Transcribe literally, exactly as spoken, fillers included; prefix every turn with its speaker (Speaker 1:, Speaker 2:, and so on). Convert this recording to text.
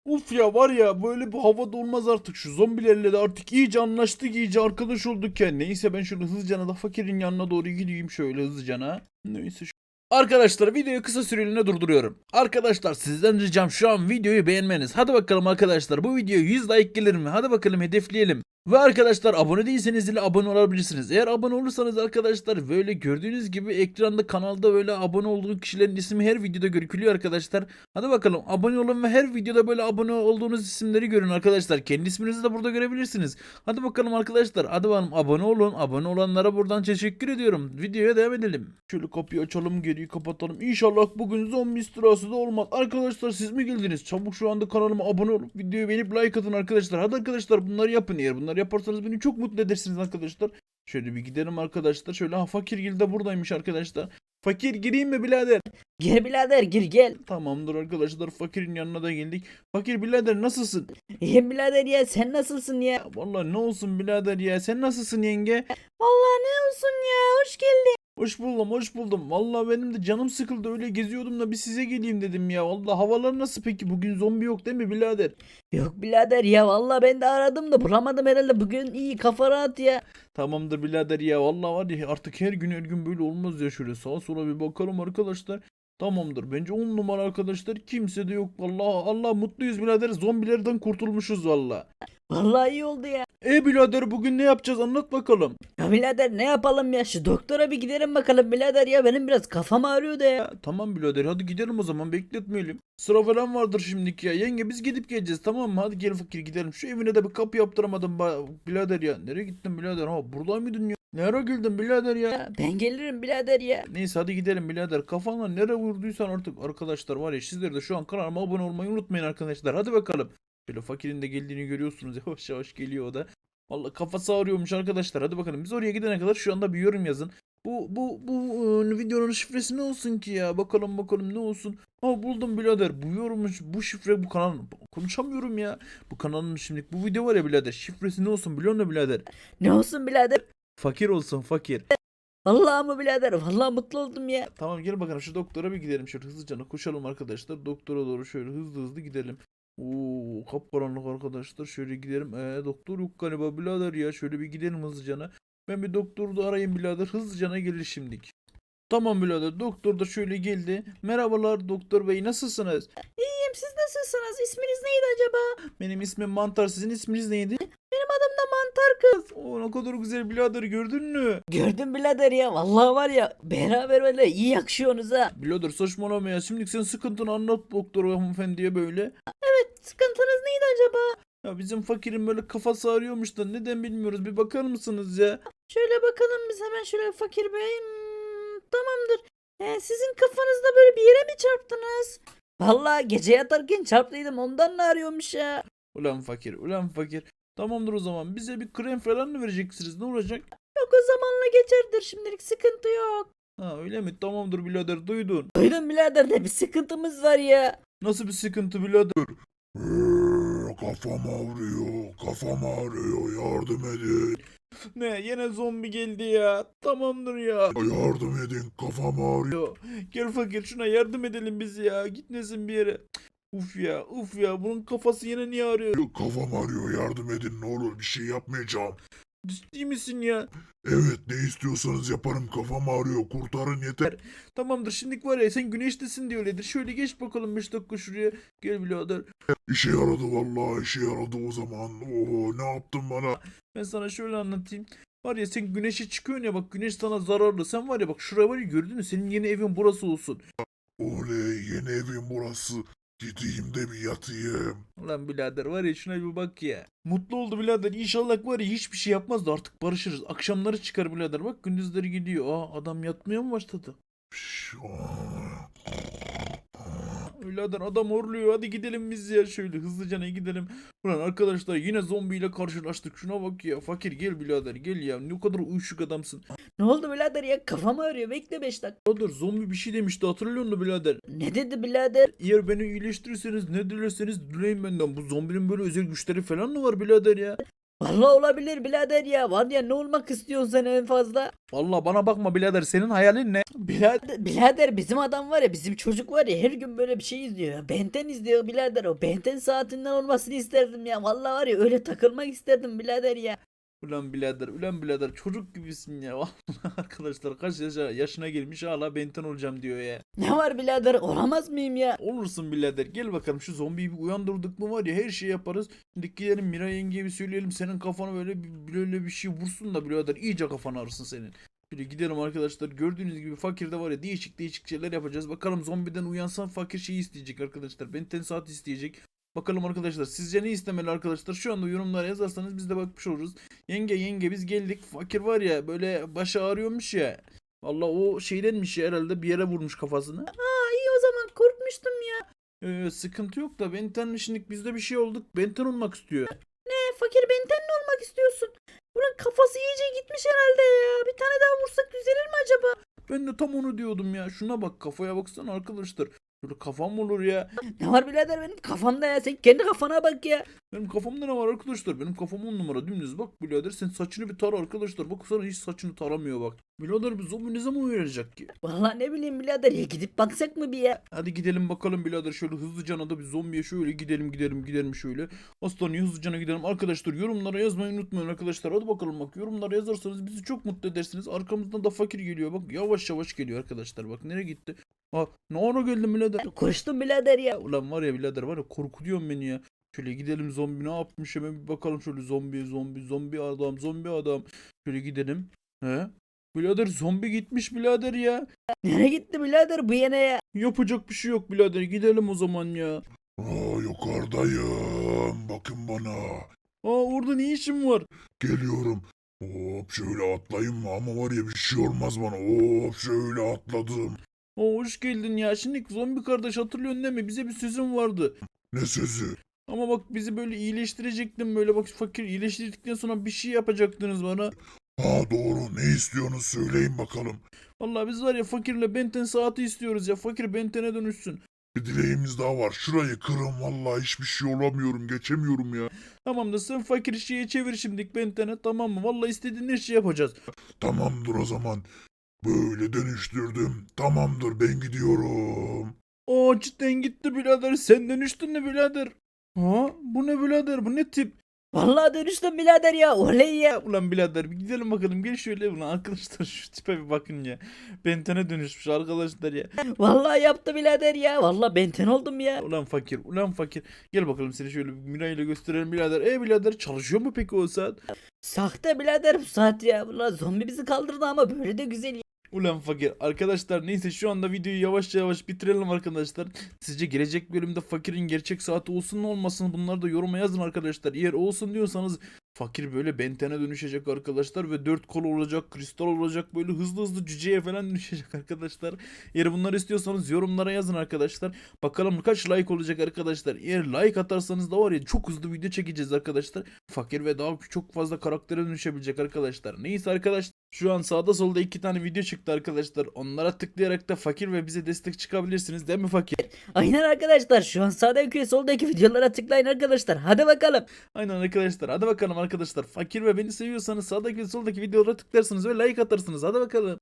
Speaker 1: Uf ya var ya böyle bu havada olmaz artık. Şu zombilerle de artık iyice anlaştık, iyice arkadaş olduk ya. Neyse ben şöyle hızlıcana da fakirin yanına doğru gideyim şöyle hızlıcana. Neyse şu... Arkadaşlar videoyu kısa süreliğine durduruyorum. Arkadaşlar sizden ricam şu an videoyu beğenmeniz. Hadi bakalım arkadaşlar, bu videoya yüz like gelir mi? Hadi bakalım hedefleyelim. Ve arkadaşlar abone değilseniz ile abone olabilirsiniz. Eğer abone olursanız arkadaşlar böyle gördüğünüz gibi ekranda kanalda böyle abone olduğu kişilerin ismi her videoda görükülüyor arkadaşlar. Hadi bakalım abone olun ve her videoda böyle abone olduğunuz isimleri görün arkadaşlar. Kendi isminizi de burada görebilirsiniz. Hadi bakalım arkadaşlar, hadi bakalım abone olun. Abone olanlara buradan teşekkür ediyorum. Videoya devam edelim. Şöyle kapıyı açalım, geriyi kapatalım. İnşallah bugün zombi istilası da olmaz. Arkadaşlar siz mi geldiniz? Çabuk şu anda kanalıma abone olup videoyu beğenip like atın arkadaşlar. Hadi arkadaşlar bunları yapın. Eğer bunları yaparsanız beni çok mutlu edersiniz arkadaşlar. Şöyle bir gidelim arkadaşlar. Şöyle ha Fakirgil de buradaymış arkadaşlar. Fakir gireyim mi birader?
Speaker 2: Gir birader gir gel.
Speaker 1: Tamamdır arkadaşlar, fakirin yanına da geldik. Fakir birader nasılsın?
Speaker 2: İyiyim birader ya, sen nasılsın ya?
Speaker 1: Ya vallahi ne olsun birader ya, sen nasılsın yenge?
Speaker 2: Vallahi ne olsun ya, hoş geldin.
Speaker 1: Hoş buldum, hoş buldum. Vallahi benim de canım sıkıldı, öyle geziyordum da bir size geleyim dedim ya. Vallahi havalar nasıl peki? Bugün zombi yok değil mi birader?
Speaker 2: Yok birader ya, vallahi ben de aradım da bulamadım herhalde, bugün iyi, kafa rahat ya.
Speaker 1: Tamamdır birader ya. Vallahi var ya artık her gün her gün böyle olmaz ya, şöyle sağa sola bir bakalım arkadaşlar. Tamamdır. Bence on numara arkadaşlar. Kimse de yok. Vallahi Allah mutluyuz birader. Zombilerden kurtulmuşuz vallahi.
Speaker 2: Vallahi iyi oldu ya.
Speaker 1: E birader bugün ne yapacağız? Anlat bakalım.
Speaker 2: Ya birader ne yapalım ya, şu doktora bir gidelim bakalım birader ya, benim biraz kafam ağrıyor da ya.
Speaker 1: Ya, tamam birader hadi gidelim o zaman, bekletmeyelim. Sıra falan vardır şimdiki ya. Yenge biz gidip geleceğiz, tamam mı? Hadi gel fakir gidelim. Şu evine de bir kapı yaptıramadım ba- birader ya. Nereye gittin birader? Ha burada mıydın ya? Nereye geldin birader ya?
Speaker 2: Ya ben gelirim birader ya.
Speaker 1: Neyse hadi gidelim birader. Kafanla nereye vurduysan artık arkadaşlar var ya, sizler de şu an kanalıma abone olmayı unutmayın arkadaşlar. Hadi bakalım. Şöyle fakirin de geldiğini görüyorsunuz. Yavaş yavaş geliyor o da. Vallahi kafası ağrıyormuş arkadaşlar. Hadi bakalım biz oraya gidene kadar şu anda bir yorum yazın. Bu bu bu e, videonun şifresi ne olsun ki ya? Bakalım bakalım ne olsun. Ha buldum birader. Bu yorummuş, bu şifre bu kanal. Konuşamıyorum ya. Bu kanalın şimdi bu video var ya birader. Şifresi ne olsun biliyor musun birader?
Speaker 2: Ne olsun birader?
Speaker 1: Fakir olsun fakir.
Speaker 2: Vallahi mı birader, vallahi mutlu oldum ya.
Speaker 1: Tamam gel bakalım şu doktora bir gidelim. Şöyle hızlıca koşalım arkadaşlar. Doktora doğru şöyle hızlı hızlı gidelim. Oo kapkaranlık arkadaşlar. Şöyle gidelim. Ee, doktor yok galiba birader ya. Şöyle bir gidelim hızlıcana. Ben bir doktoru da arayayım birader. Hızlıcana gelir şimdik. Tamam birader. Doktor da şöyle geldi. Merhabalar doktor bey, nasılsınız?
Speaker 2: İyiyim, siz nasılsınız? İsminiz neydi acaba?
Speaker 1: Benim ismim Mantar. Sizin isminiz neydi?
Speaker 2: Benim adım da Mantar Kız.
Speaker 1: Oo ne kadar güzel birader, gördün mü?
Speaker 2: Gördüm birader ya, vallahi var ya, beraber böyle iyi yakışıyorsunuz ha.
Speaker 1: Birader saçmalama ya. Şimdi sen sıkıntını anlat doktor hanımefendiye böyle.
Speaker 2: Sıkıntınız neydi acaba?
Speaker 1: Ya bizim fakirin böyle kafası ağrıyormuş da neden bilmiyoruz. Bir bakar mısınız ya?
Speaker 2: Şöyle bakalım biz hemen, şöyle fakir bey. Hmm, tamamdır. Ee, sizin kafanızda böyle bir yere mi çarptınız? Vallahi gece yatarken çarptıydım, ondan ne arıyormuş ya?
Speaker 1: Ulan fakir, ulan fakir. Tamamdır o zaman. Bize bir krem falan mı vereceksiniz? Ne olacak?
Speaker 2: Yok, o zamanla geçerdir, şimdilik sıkıntı yok.
Speaker 1: Ha öyle mi? Tamamdır birader, duydun.
Speaker 2: Duydum birader, de bir sıkıntımız var ya.
Speaker 1: Nasıl bir sıkıntı birader?
Speaker 3: Eee, kafam ağrıyor, kafam ağrıyor, yardım edin.
Speaker 1: Ne? Yine zombi geldi ya. Tamamdır ya.
Speaker 3: Yardım edin, kafam ağrıyor.
Speaker 1: Yo, gel fakir şuna yardım edelim biz ya. Gitmesin bir yere. Uf ya, uf ya. Bunun kafası yine niye ağrıyor?
Speaker 3: Kafam ağrıyor, yardım edin ne olur, bir şey yapmayacağım.
Speaker 1: Ciddi misin ya?
Speaker 3: Evet, ne istiyorsanız yaparım, kafam ağrıyor, kurtarın yeter.
Speaker 1: Tamamdır şimdilik var ya, sen güneştesin diye öyledir. Şöyle geç bakalım beş dakika şuraya. Gel birader.
Speaker 3: İşe yaradı vallahi, işe yaradı o zaman. Oho, ne yaptın bana?
Speaker 1: Ben sana şöyle anlatayım. Var ya sen güneşe çıkıyorsun ya, bak güneş sana zararlı. Sen var ya bak şuraya var ya, gördün mü? Senin yeni evin burası olsun.
Speaker 3: Oley, yeni evim burası. Gideyim de bir yatayım.
Speaker 1: Ulan birader var ya, şuna bir bak ya. Mutlu oldu birader. İnşallah var ya hiçbir şey yapmaz da artık barışırız. Akşamları çıkar birader. Bak gündüzleri gidiyor. Aa adam yatmaya mı başladı?
Speaker 3: Şş, aa.
Speaker 1: Birader adam horluyor. Hadi gidelim biz ya, şöyle hızlıca ne gidelim. Ulan arkadaşlar yine zombiyle karşılaştık. Şuna bak ya. Fakir gel birader gel ya. Ne kadar uyuşuk adamsın.
Speaker 2: Ne oldu birader ya, kafam ağrıyor, bekle beş dakika.
Speaker 1: Birader zombi bir şey demişti, hatırlıyor musun birader?
Speaker 2: Ne dedi birader?
Speaker 1: Eğer beni iyileştirirseniz ne dilerseniz dileyin benden. Bu zombinin böyle özel güçleri falan mı var birader ya?
Speaker 2: Vallahi olabilir birader ya. Var ya ne olmak istiyorsun sen en fazla?
Speaker 1: Vallahi bana bakma birader, senin hayalin ne? Birader.
Speaker 2: Birader bizim adam var ya bizim çocuk var ya her gün böyle bir şey izliyor ya. Ben ten izliyor birader o. Ben ten saatinden olmasını isterdim ya. Vallahi var ya öyle takılmak isterdim birader ya.
Speaker 1: Ulan birader, ulan birader, çocuk gibisin ya. Vallahi arkadaşlar, kaç yaşa, yaşına gelmiş hala benten olacağım diyor ya.
Speaker 2: Ne var birader olamaz mıyım ya?
Speaker 1: Olursun birader, gel bakalım şu zombiyi bir uyandırdık mı var ya her şeyi yaparız. Şimdi gidelim Miray yengeye bir söyleyelim, senin kafana böyle bir- böyle bir şey vursun da birader iyice kafanı ağrısın senin. Şimdi gidelim arkadaşlar, gördüğünüz gibi fakirde var ya değişik değişik şeyler yapacağız. Bakalım zombiden uyansan fakir şeyi isteyecek arkadaşlar. Benten saat isteyecek. Bakalım arkadaşlar sizce ne istemeli arkadaşlar? Şu anda yorumlara yazarsanız biz de bakmış oluruz. Yenge yenge biz geldik. Fakir var ya böyle başı ağrıyormuş ya. Vallahi o şeydenmiş ya, herhalde bir yere vurmuş kafasını.
Speaker 2: Aa iyi o zaman korkmuştum ya.
Speaker 1: Ee, sıkıntı yok da Benten şimdi bizde bir şey olduk. Benten olmak istiyor.
Speaker 2: E, fakir benten ne olmak istiyorsun? Bunun kafası iyice gitmiş herhalde ya. Bir tane daha vursak düzelir mi acaba?
Speaker 1: Ben de tam onu diyordum ya. Şuna bak, kafaya baksana arkadaşlar. Böyle kafam mı olur ya?
Speaker 2: Ne var birader benim kafamda ya sen kendi kafana bak ya.
Speaker 1: Benim kafamda ne var arkadaşlar? Benim kafam on numara dümdüz. Bak birader, sen saçını bir tara arkadaşlar. Bak sana hiç saçını taramıyor bak. Birader bu zombi ne zaman uyaracak ki?
Speaker 2: Vallahi ne bileyim birader ya gidip baksak mı bir ya?
Speaker 1: Hadi gidelim bakalım birader, şöyle hızlıcana da bir zombiye şöyle gidelim gidelim gidelim şöyle. Hastaneye hızlıcana gidelim. Arkadaşlar yorumlara yazmayı unutmayın arkadaşlar. Hadi bakalım, bak yorumlara yazarsanız bizi çok mutlu edersiniz. Arkamızdan da fakir geliyor. Bak yavaş yavaş geliyor arkadaşlar. Bak nereye gitti? Ha, ne ara geldin birader?
Speaker 2: Koştum birader ya.
Speaker 1: Ulan var ya birader, var ya korkutuyorsun beni ya. Şöyle gidelim, zombi ne yapmış hemen bir bakalım şöyle, zombi zombi zombi adam zombi adam. Şöyle gidelim. He? Birader zombi gitmiş birader ya.
Speaker 2: Nereye gitti birader bu yine ya?
Speaker 1: Yapacak bir şey yok birader, gidelim o zaman ya.
Speaker 3: Aa, yukarıdayım. Bakın bana.
Speaker 1: Aa, orada ne işin var?
Speaker 3: Geliyorum. Hop şöyle atlayayım mı? Ama var ya bir şey olmaz bana. Hop şöyle atladım.
Speaker 1: Aa, hoş geldin ya. Şimdi zombi kardeş, hatırlıyorsun değil mi? Bize bir sözün vardı.
Speaker 3: Ne sözü?
Speaker 1: Ama bak bizi böyle iyileştirecektin, böyle bak fakir iyileştirdikten sonra bir şey yapacaktınız bana.
Speaker 3: Ha doğru. Ne istiyorsunuz söyleyin bakalım.
Speaker 1: Vallahi biz var ya fakirle Benten saati istiyoruz ya. Fakir Benten'e dönüşsün.
Speaker 3: Bir dileğimiz daha var. Şurayı kırın. Vallahi hiçbir şey olamıyorum. Geçemiyorum ya.
Speaker 1: Tamam da sen fakir şeye çevir şimdilik Benten'e, tamam mı? Vallahi istediğin her şeyi yapacağız.
Speaker 3: Tamamdır o zaman. Böyle dönüştürdüm. Tamamdır ben gidiyorum.
Speaker 1: Aa, cidden gitti birader. Sen dönüştün mü birader? Ha, bu ne birader, bu ne tip?
Speaker 2: Vallahi dönüştüm birader ya. Oley ya.
Speaker 1: Ya ulan birader, bir gidelim bakalım, gel şöyle ulan arkadaşlar, şu tipe bir bakın ya. Benten'e dönüşmüş arkadaşlar ya.
Speaker 2: Vallahi yaptı birader ya. Vallahi benten oldum ya.
Speaker 1: Ulan fakir, ulan fakir. Gel bakalım seni şöyle bir Miray ile gösterelim birader. E birader, çalışıyor mu peki o saat?
Speaker 2: Sahte birader bu saat ya. Vallahi zombi bizi kaldırdı ama böyle de güzel ya.
Speaker 1: Ulan fakir. Arkadaşlar neyse, şu anda videoyu yavaş yavaş bitirelim arkadaşlar. Sizce gelecek bölümde fakirin gerçek saati olsun mu olmasın, bunları da yoruma yazın arkadaşlar. Eğer olsun diyorsanız fakir böyle Benten'e dönüşecek arkadaşlar ve dört kol olacak, kristal olacak, böyle hızlı hızlı cüceye falan dönüşecek arkadaşlar. Eğer bunları istiyorsanız yorumlara yazın arkadaşlar. Bakalım kaç like olacak arkadaşlar. Eğer like atarsanız da var ya çok hızlı video çekeceğiz arkadaşlar. Fakir ve daha çok fazla karaktere dönüşebilecek arkadaşlar. Neyse arkadaşlar, şu an sağda solda iki tane video çıktı arkadaşlar. Onlara tıklayarak da fakir ve bize destek çıkabilirsiniz değil mi fakir?
Speaker 2: Aynen arkadaşlar şu an sağdaki soldaki videolara tıklayın arkadaşlar. Hadi bakalım.
Speaker 1: Aynen arkadaşlar, hadi bakalım arkadaşlar. Fakir ve beni seviyorsanız sağdaki ve soldaki videolara tıklarsınız ve like atarsınız. Hadi bakalım.